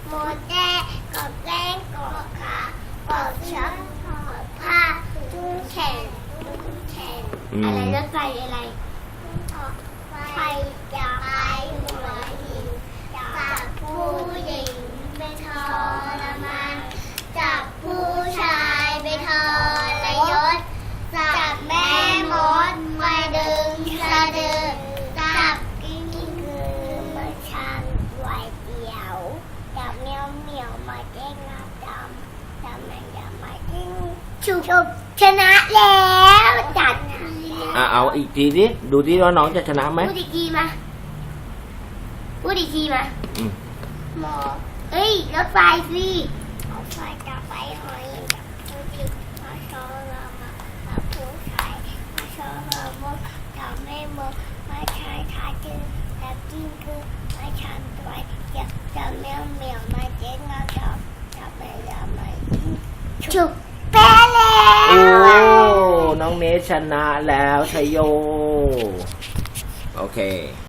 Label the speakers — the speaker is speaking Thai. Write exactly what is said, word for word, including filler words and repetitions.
Speaker 1: โมแจ้กอบแก้งกอบขากอบช้อนกอบผ้าจุ้งแขนจุ้งแขนอะไรรถไฟอะไรไฟจะไปหัวหินจับผู้หญิงไปทรมานจับผู้ชายไปทรยศจับแม่มดมาดึงสะดือจับกิ้งกือมาชันไว้เดียวจับเมียวเมียวมาเด้งงาดำจับแมงดามาเด้งชุบชุบชนะแล้วจัด
Speaker 2: อ่ะเอาอีกทีดิดูดิว่าน้องจะชนะไหม
Speaker 1: พูดอีกทีมาพูดอีกทีมา
Speaker 2: อืม
Speaker 1: หมอเอ้ยรถไฟสิรถไฟจะไปหอยจับผู้หญิงมาชอเรามาจับผู้ชายมาชอเรามดจับแม่มดมาชายขาจืดจับกิ้งคือมาชันตัวจับจับแมวเหมียวมาเจ๊งเราจับจับแมวดำมาฉุกแพ้แล้ว
Speaker 2: โอ้น้องเนชชนะแล้วชัยโยโอเค